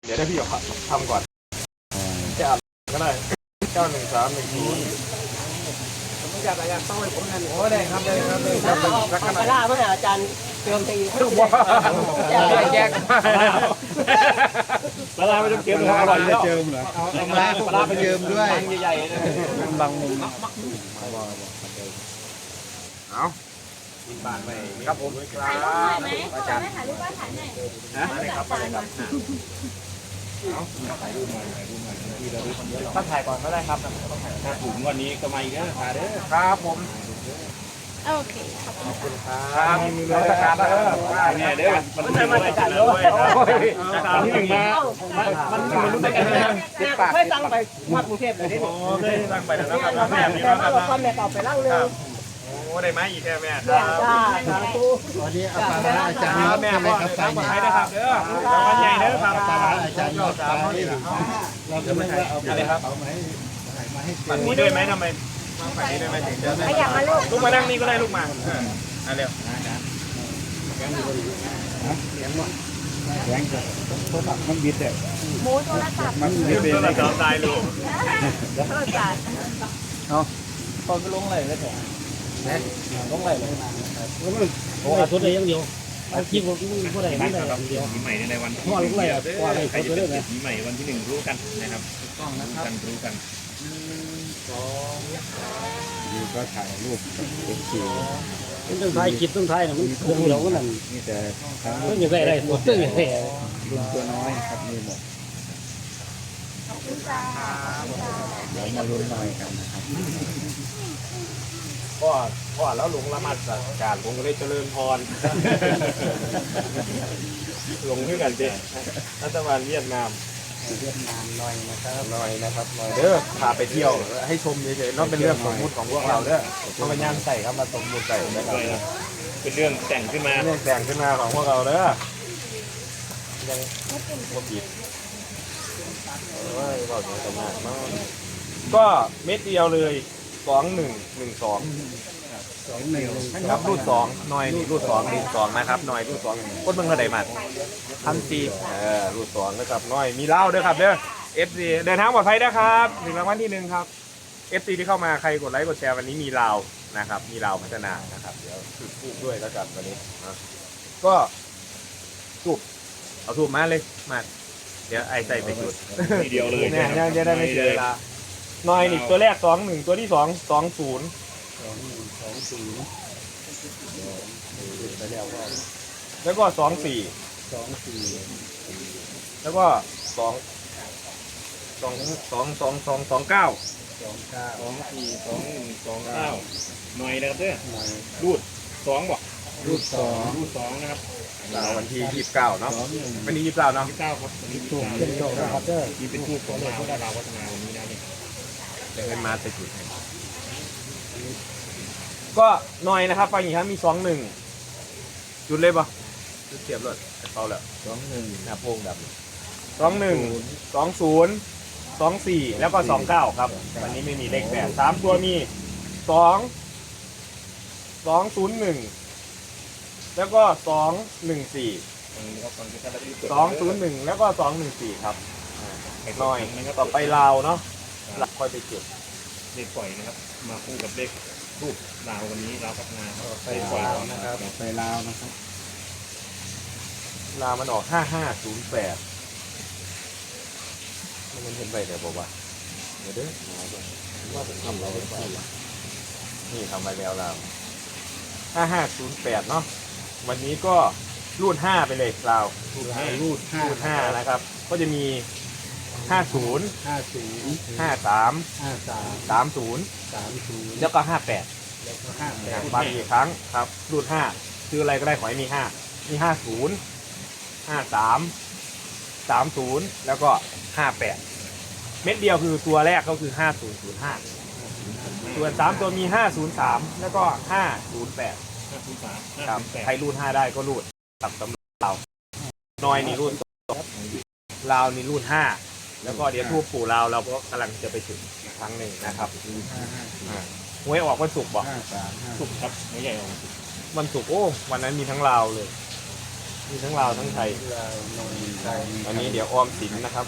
เดี๋ยวได้พี่ทำก่อนจะอ่านก็ได้91310ผมอยากต้องให้ผมนั่นโอ้ได้ครับได้ครับได้ครับรักกันล่าเมื่ออาจารย์เติมตีแยกปลาไม่ต้องเติมอร่อยแล้วเจิมเหรอเอามาปลาไปเจิมด้วยใหญ่ๆบางมุมเอากินบานไปครับผมครับอาจารย์ถ่ายรูปว่าถ่ายไหนนะได้ครับได้ครับถ้าถ่ายก่อนก็ได้ครับถ้าถุงวันนี้ก็มาอีกแล้วถ่ายเด้อครับผมโอเคขอบคุณครับมีราชการแล้วเนี่ยเด้อมันไม่มาจัดเลยตามที่หนึ่งมามันรู้ได้กันเลยเคยตั้งไปมากรุงเทพเลยโอ้เคยตั้งไปแล้วนะครับแม่มีแล้วครับแม่ต่อไปร่างเลยโอ้ได้ไหมอีกแค่แม่วันนี้เอาปลาอาจารย์แม่พ่อเลยครับให้นะครับเด้อวันใหญ่เด้อครับปลาอาจารย์ยอดปลาเราจะไม่เอาอะไรครับเอาไหมฝั่งนี้ด้วยไหมทำไมฝั่งนี้ด้วยไหมถึงจะไม่อยากมาลูกมานั่งนี่ก็ได้ลูกมาเร็วแรงจะโทรศัพท์มันบิดเลยหมูโทรศัพท์มันบิดเลยจอตายลูกโทรศัพท์เอาตอนไปลงไหลเลยแต่ลงไหลเลยโอ้ทุนเลยยังเดียวคิดว่าผู้ใดไม่ได้เดียวปีใหม่ในวันที่ลงไหลว่าอะไรใครจะเล่นนะปีใหม่วันที่1รู้กันนะครับรู้กันดูก็ถ่ายรูปเป็นคิวต้องถ่ายคลิปต้องถ่ายนะมันเครื่องเดียวก็นั่นนี่แต่ต้องอย่างไรหมดต้องอย่างไรรุ่นตัวน้อยครับมีหมดเดี๋ยวมาลุ้นหน่อยกันนะครับพ่อแล้วหลวงละมัดการผมก็เลยเจริญพรหลงขึ้นกันเด็รัฐบาลเวียดนามหน่อยนะครับหน่อยเด้อพาไปเที่ยวให้ชมเฉยๆนั่นเป็นเรื่องสมมุติของพวกเราเด้อธรรมญาณใส่ครับมาสมมุติใส่นะครับเป็นเรื่องแต่งขึ้นมาเรื่องแต่งขึ้นมาของพวกเราเด้อยังว่าผิดว่าอย่างกันมากก็เม็ดเดียวเลย2112ครับรูด2หน่อยนี่รูด2นะครับหน่อยรูด2คนเมืองกระไดมัน1,400รูด2นะครับหน่อยมีเหล้าด้วยครับเด้อ FC เดินทางปลอดภัยนะครับถึงรางวัลที่1ครับ FC ที่เข้ามาใครกดไลค์กดแชร์วันนี้มีลาวนะครับมีลาวพัฒนานะครับเดี๋ยวจุดทูบด้วยแล้วกันวันนี้ก็ทูบเอาทูบมาเลยมาเดี๋ยวไอ้ใส่ไปจุดทีเดียวเลยเนี่ยจะได้ไม่เสียเวลาหน่อยนี่ตัวแรก21ตัวที่2 20แล้วก็24แล้วก็29 หน่อยนะครับเด้อรูด2บอกรูด 2นะครับวันที่29เนาะวันที่29เนาะ 29ครับวันที่29 ครับเด้อที่เป็นทูบของเราพัฒนาวันนี้นะนี่จะให้มาจะจุดให้ก็หน่อยนะครับฟังอีกครั้งมี21จุดเลยปะจุดเทียบเลยเขาแล้ว21หน้าโป่งดำ21 20 24แล้วก็29ครับวันนี้ไม่มีเลขแบบ3ตัวมี201แล้วก็214 201แล้วก็214ครับหน่อยต่อไปลาวเนาะค่อยไปเก็บเลขปล่อยนะครับมาคู่กับเลขรูปลาววันนี้ลาวพัฒนาไปลาวนะครับไปลาวนะครับลาวมันออก5508มันเห็นไปเดี๋ยวบอกว่าเดี๋ยวว่าผมทำเราไปนี่ทำไปแล้วเรา5508เนาะวันนี้ก็รูด5ไปเลยเรารูด5นะครับก็จะมี50 53 30แล้วก็58บางอีกครั้งครับรูด5คืออะไรก็ได้ขอให้มี5มี50 53 30แล้วก็58เม็ดเดียวคือตัวแรกก็คือ5005ส่วน3ตัวมี503แล้วก็508ครับใครรูด5ได้ก็รูดตับสำหรับเราน้อยนี่รูดลาวนี่รูด5แล้วก็เดี๋ยวทูบปู่ลาวเราก็กำลังจะไปถึงอีกครั้งหนึ่งนะครับหวยออกวันศุกร์บอกศุกร์ครับไม่ใหญ่ออกวันศุกร์โอ้วันนั้นมีทั้งลาวเลยมีทั้งลาวทั้งไทยลาวนนไทยอันนี้เดี๋ยวออมสินนะครับ